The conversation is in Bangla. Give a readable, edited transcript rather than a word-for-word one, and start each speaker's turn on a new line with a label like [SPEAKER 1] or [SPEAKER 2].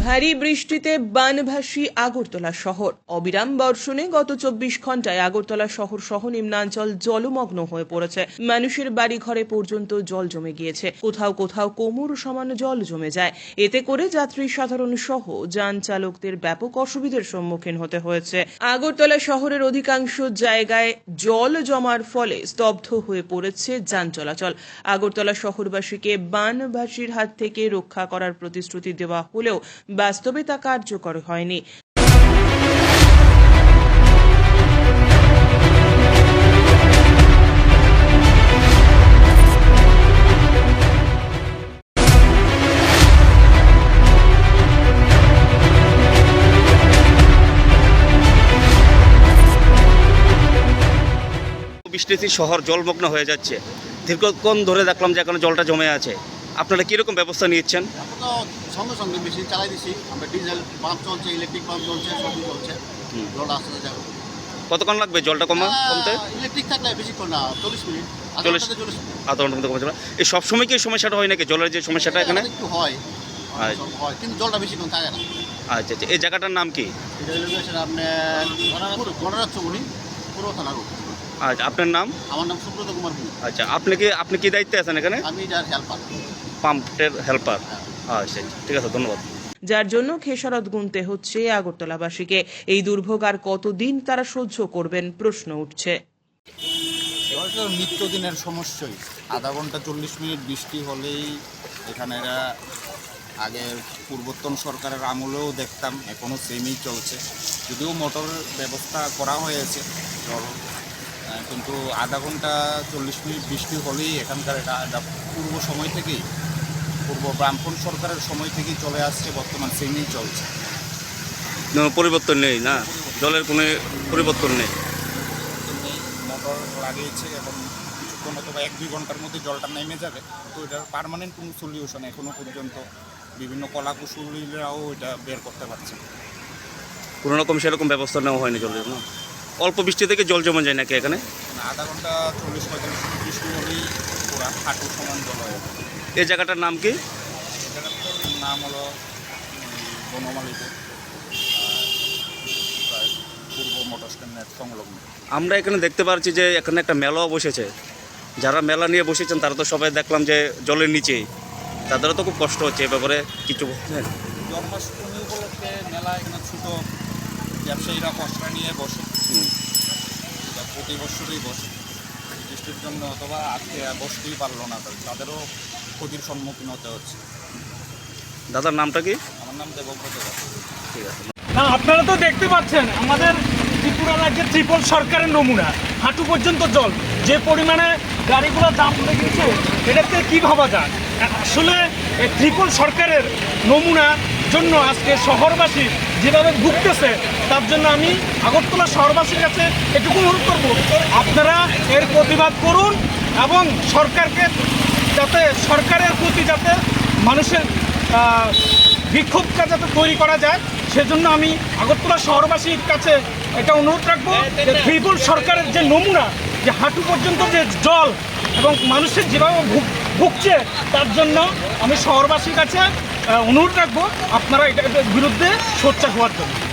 [SPEAKER 1] ভারী বৃষ্টিতে বানভাসী আগরতলা শহর। অবিরাম বর্ষণে গত 24 ঘন্টায় আগরতলা শহর সহ নিম্নাঞ্চল জলমগ্ন হয়ে পড়েছে। মানুষের বাড়ি ঘরে পর্যন্ত জল জমে গিয়েছে। কোথাও কোথাও কোমর সমান জল জমে যায়। এতে করে যাত্রী সাধারণ সহ যান চালকদের ব্যাপক অসুবিধার সম্মুখীন হতে হয়েছে। আগরতলা শহরের অধিকাংশ জায়গায় জল জমার ফলে স্তব্ধ হয়ে পড়েছে যান চলাচল। আগরতলা শহরবাসীকে বানভাসীর হাত থেকে রক্ষা করার প্রতিশ্রুতি দেওয়া হলেও বাস্তবে তা কার্যকর হয়নি।
[SPEAKER 2] বৃষ্টিতে শহর জলমগ্ন হয়ে যাচ্ছে। দীর্ঘক্ষণ ধরে দেখলাম যে এখানে জলটা জমে আছে। আপনারা কিরকম ব্যবস্থা নিচ্ছেন?
[SPEAKER 3] সঙ্গে সঙ্গে মেশিন চালাই দিচ্ছি আমরা, ডিজেল পাম্প চলছে, ইলেকট্রিক পাম্প চলছে, সবই চলছে। জলটা আসতে যাবে।
[SPEAKER 2] কতক্ষণ লাগবে জলটা কমতে?
[SPEAKER 3] ইলেকট্রিক থাকলে বেশিক্ষণ না, 40 মিনিট,
[SPEAKER 2] আধা ঘন্টার মধ্যে কমে যাবে। এই সবসময় কি সমস্যাটা হয় নাকি, জলের যে সমস্যাটা এখানে?
[SPEAKER 3] একটু হয়, কিন্তু জলটা বেশিক্ষণ থাকে না।
[SPEAKER 2] আচ্ছা আচ্ছা, এই জায়গাটার নাম কি?
[SPEAKER 3] এটা আপনার গণরাজ্যমণি পুরো থানা রোড।
[SPEAKER 2] আচ্ছা, আপনার নাম?
[SPEAKER 3] আমার নাম সুব্রত কুমার ভূমি।
[SPEAKER 2] আচ্ছা, আপনি কি দায়িত্বে আছেন এখানে?
[SPEAKER 3] আমি যার হেল্পার,
[SPEAKER 2] পাম্পের হেল্পার। আচ্ছা ঠিক আছে, ধন্যবাদ।
[SPEAKER 1] যার জন্য খেসারত গুনতে হচ্ছে আগরতলাবাসীকে। এই দুর্ভোগ আর কতদিন তারা সহ্য করবেন প্রশ্ন উঠছে।
[SPEAKER 4] নিত্যদিনের সমস্যাই। আধা ঘন্টা 40 মিনিট বৃষ্টি হলেই এখানে আগের পূর্বতন সরকারের আমলেও দেখতাম, এখনও সেমই চলছে। যদিও মোটরের ব্যবস্থা করা হয়েছে জল, কিন্তু আধা ঘন্টা 40 মিনিট বৃষ্টি হলেই এখানকার এটা পূর্ব সময় থেকেই, পূর্ব ব্রাহ্মণ সরকারের সময় থেকেই চলে আসছে, বর্তমান সেমই চলছে।
[SPEAKER 2] পরিবর্তন নেই না, জলের কোনো পরিবর্তন নেই।
[SPEAKER 4] মোটর লাগিয়েছে, এখন কিছুক্ষণ অথবা 1-2 ঘন্টার মধ্যে জলটা নেমে যাবে। তো এটার পার্মানেন্ট কোনো সলিউশন এখনও পর্যন্ত বিভিন্ন কলাকুশলীরাও এটা বের করতে পারছে।
[SPEAKER 2] কোনো রকম সেরকম ব্যবস্থা নেওয়া হয়নি জলের না? অল্প বৃষ্টি থেকে জল জমে যায় নাকি এখানে?
[SPEAKER 4] আধা ঘন্টা 40-45 মিনিট বৃষ্টি হলেই পুরা হাঁটু সমান জল হয়ে যাবে।
[SPEAKER 2] এই জায়গাটার নাম কি?
[SPEAKER 4] এই জায়গাটার নাম হলো বনমালীপুর, পূর্ব মোটর স্ট্যান্ডের সংলগ্ন।
[SPEAKER 2] আমরা এখানে দেখতে পাচ্ছি যে এখানে একটা মেলাও বসেছে। যারা মেলা নিয়ে বসেছেন তারা তো সবাই দেখলাম যে জলের নিচেই, তাদেরও তো খুব কষ্ট হচ্ছে। এ ব্যাপারে কিছু বলছেন?
[SPEAKER 4] জন্মাষ্টমী উপলক্ষে মেলা এখানে ছোটো ব্যবসায়ীরা পসরা নিয়ে বসে, প্রতি বছরই বসে। বৃষ্টির জন্য অথবা আজকে বসতেই পারলো না, তাদেরও ক্ষতির সম্মুখীন হতে হচ্ছে।
[SPEAKER 2] দাদার নামটা কি?
[SPEAKER 4] আমার নাম দেবব্রত দাস।
[SPEAKER 2] ঠিক আছে।
[SPEAKER 5] না, আপনারা তো দেখতে পাচ্ছেন আমাদের ত্রিপুরা রাজ্যের ত্রিপল সরকারের নমুনা, হাঁটু পর্যন্ত জল। যে পরিমাণে গাড়িগুলো দাম পড়ে গেছে, এটাতে কী ভাবা যায়? আসলে এই ত্রিপল সরকারের নমুনার জন্য আজকে শহরবাসী যেভাবে ভুগতেছে, তার জন্য আমি আগরতলা শহরবাসীর কাছে এটুকু অনুরোধ করব, আপনারা এর প্রতিবাদ করুন এবং সরকারকে যাতে, সরকারের প্রতি যাতে মানুষের বিক্ষোভটা যাতে তৈরি করা যায়, সেজন্য আমি আগরতলা শহরবাসীর কাছে এটা অনুরোধ রাখবো যে ত্রিপল সরকারের যে নমুনা, যে হাঁটু পর্যন্ত যে জল এবং মানুষের যেভাবে ভুগছে, তার জন্য আমি শহরবাসীর কাছে অনুরোধ রাখবো আপনারা এটার বিরুদ্ধে সোচ্চার হওয়ার জন্য।